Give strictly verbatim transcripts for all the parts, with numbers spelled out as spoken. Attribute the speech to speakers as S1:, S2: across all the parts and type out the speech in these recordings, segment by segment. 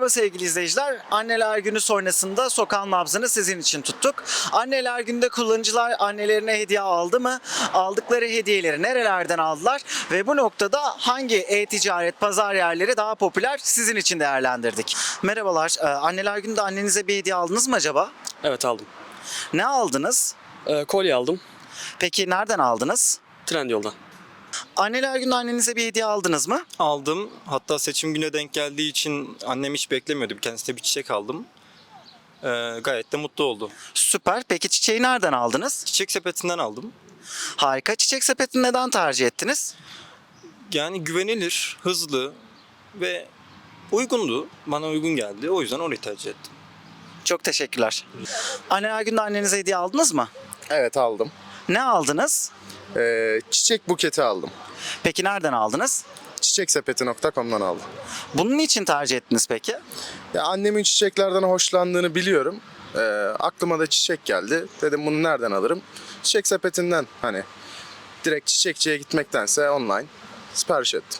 S1: Merhaba sevgili izleyiciler. Anneler Günü sonrasında sokağın nabzını sizin için tuttuk. Anneler Günü'nde kullanıcılar annelerine hediye aldı mı? Aldıkları hediyeleri nerelerden aldılar? Ve bu noktada hangi e-ticaret pazar yerleri daha popüler sizin için değerlendirdik. Merhabalar. Ee, Anneler Günü'nde annenize bir hediye aldınız mı acaba?
S2: Evet aldım.
S1: Ne aldınız?
S2: Ee, kolye aldım.
S1: Peki nereden aldınız?
S2: Trendyol'dan.
S1: Anneler Günü'nde annenize bir hediye aldınız mı?
S3: Aldım. Hatta seçim güne denk geldiği için annem hiç beklemiyordu. Kendisine bir çiçek aldım. Ee, gayet de mutlu oldu.
S1: Süper. Peki çiçeği nereden aldınız?
S3: Çiçek sepetinden aldım.
S1: Harika. Çiçek sepetini neden tercih ettiniz?
S3: Yani güvenilir, hızlı ve uygundu. Bana uygun geldi. O yüzden orayı tercih ettim.
S1: Çok teşekkürler. Anneler Günü'nde annenize hediye aldınız mı?
S4: Evet aldım.
S1: Ne aldınız?
S4: Ee, çiçek buketi aldım.
S1: Peki nereden aldınız?
S4: çiçeksepeti nokta com'dan aldım.
S1: Bunun için tercih ettiniz peki?
S4: Ya annemin çiçeklerden hoşlandığını biliyorum. Ee, aklıma da çiçek geldi. Dedim bunu nereden alırım? Çiçek sepetinden hani direkt çiçekçiye gitmektense online sipariş ettim.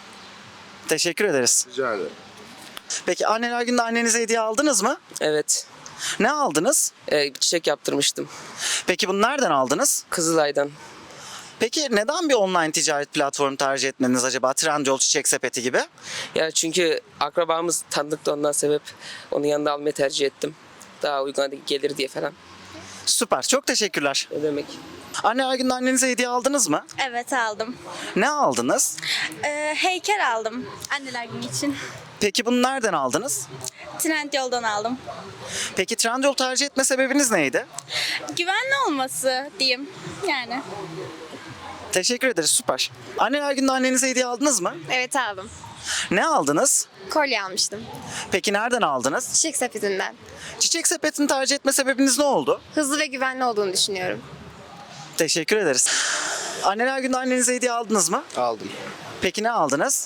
S1: Teşekkür ederiz.
S4: Rica ederim.
S1: Peki anneler gününde annenize hediye aldınız mı?
S5: Evet.
S1: Ne aldınız?
S5: Ee, çiçek yaptırmıştım.
S1: Peki bunu nereden aldınız?
S5: Kızılay'dan.
S1: Peki neden bir online ticaret platformu tercih etmeniz acaba? Trendyol, Çiçek Sepeti gibi.
S5: Ya çünkü akrabamız tanıdıktı, ondan sebep onun yanında almayı tercih ettim. Daha uygun gelir diye falan.
S1: Süper. Çok teşekkürler.
S5: Ne demek?
S1: Anneler gününde annenize hediye aldınız mı?
S6: Evet aldım.
S1: Ne aldınız?
S6: Ee, heykel aldım anneler günü için.
S1: Peki bunu nereden aldınız?
S6: Trendyol'dan aldım.
S1: Peki Trendyol tercih etme sebebiniz neydi?
S6: Güvenli olması diyeyim yani.
S1: Teşekkür ederiz. Süper. Anneler gününde annenize hediye aldınız mı?
S7: Evet aldım.
S1: Ne aldınız?
S7: Kolye almıştım.
S1: Peki nereden aldınız?
S7: Çiçek sepetinden.
S1: Çiçek Sepeti'ni tercih etme sebebiniz ne oldu?
S7: Hızlı ve güvenli olduğunu düşünüyorum.
S1: Teşekkür ederiz. Anneler gününde annenize hediye aldınız mı?
S4: Aldım.
S1: Peki ne aldınız?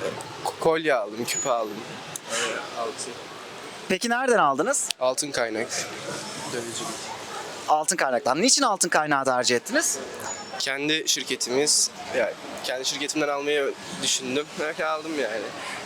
S4: Kolye aldım, küpe aldım. Altın.
S1: Peki nereden aldınız?
S4: Altın kaynak. Dövücülük.
S1: Altın kaynaktan. Niçin altın kaynağı tercih ettiniz?
S8: Kendi şirketimiz, yani kendi şirketimden almayı düşündüm. Öyle aldım yani.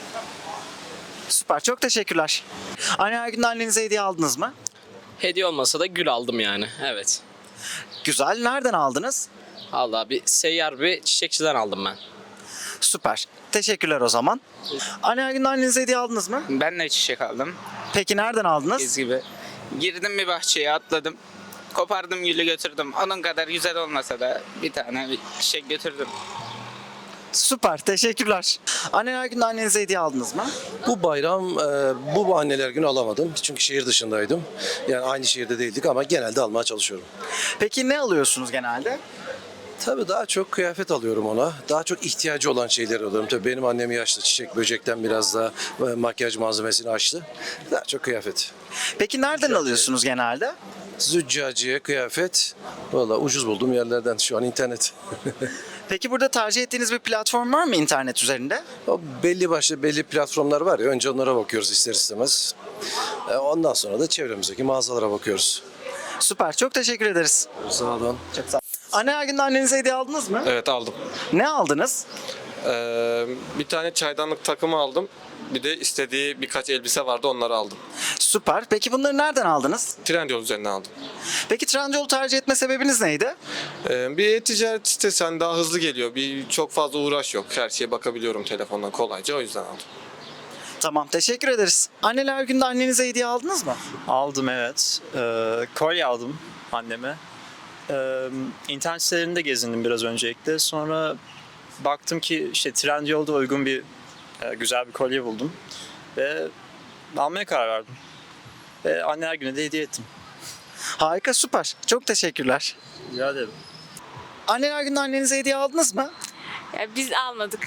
S1: Süper. Çok teşekkürler. Anneler gününde annenize hediye aldınız mı?
S2: Hediye olmasa da gül aldım yani. Evet.
S1: Güzel. Nereden aldınız?
S2: Allah bir seyyar bir çiçekçiden aldım ben.
S1: Süper. Teşekkürler o zaman. Anneler gününde annenize hediye aldınız mı?
S9: Ben de çiçek aldım.
S1: Peki nereden aldınız?
S9: Biz gibi. Girdim bir bahçeye atladım. Kopardım gülü götürdüm. Onun kadar güzel olmasa da bir tane bir çiçek götürdüm.
S1: Süper. Teşekkürler. Anneler gününde annenize hediye aldınız mı?
S10: Bu bayram e, bu anneler günü alamadım. Çünkü şehir dışındaydım. Yani aynı şehirde değildik ama genelde almaya çalışıyorum.
S1: Peki ne alıyorsunuz genelde?
S10: Tabii daha çok kıyafet alıyorum ona. Daha çok ihtiyacı olan şeyler alıyorum. Tabii benim annem yaşlı. Çiçek böcekten biraz daha e, makyaj malzemesini açtı. Daha çok kıyafet.
S1: Peki nereden alıyorsunuz genelde?
S10: Züccaciye kıyafet. Valla ucuz bulduğum yerlerden şu an internet.
S1: Peki burada tercih ettiğiniz bir platform var mı internet üzerinde?
S10: O belli başlı belli platformlar var ya. Önce onlara bakıyoruz ister istemez. E, ondan sonra da çevremizdeki mağazalara bakıyoruz.
S1: Süper. Çok teşekkür ederiz.
S10: Sağ olun.
S1: Çok sağ olun. Anneler gününde annenize hediye aldınız mı?
S3: Evet aldım.
S1: Ne aldınız?
S3: Ee, bir tane çaydanlık takımı aldım. Bir de istediği birkaç elbise vardı, onları aldım.
S1: Süper. Peki bunları nereden aldınız?
S3: Trendyol üzerinden aldım.
S1: Peki Trendyol'u tercih etme sebebiniz neydi?
S3: Ee, bir ticaret sitesi hani daha hızlı geliyor. Bir çok fazla uğraş yok. Her şeye bakabiliyorum telefondan kolayca, o yüzden aldım.
S1: Tamam. Teşekkür ederiz. Anneler gününde annenize hediye aldınız mı?
S11: Aldım evet. Ee, kolye aldım anneme. Ee, internet sitelerinde gezindim biraz öncelikle. Sonra baktım ki işte Trendyol'da uygun bir e, güzel bir kolye buldum. Ve almaya karar verdim. Ve anneler günü de hediye ettim.
S1: Harika. Süper. Çok teşekkürler.
S11: Rica ederim.
S1: Anneler gününde annenize hediye aldınız mı?
S7: Ya biz almadık.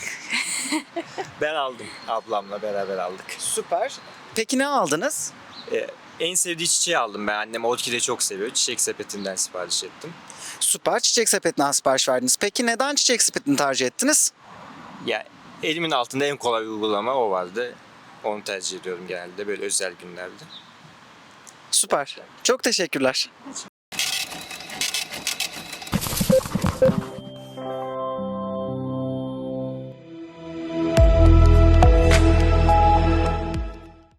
S11: Ben aldım. Ablamla beraber aldık.
S1: Süper. Peki ne aldınız?
S11: Ee, en sevdiği çiçeği aldım ben. Annem orkide çok seviyor. Çiçek sepetinden sipariş ettim.
S1: Süper. Çiçek Sepeti'nden sipariş verdiniz. Peki neden Çiçek Sepeti'ni tercih ettiniz?
S11: Ya elimin altında en kolay uygulama o vardı. Onu tercih ediyorum genelde böyle özel günlerde.
S1: Süper. Çok teşekkürler.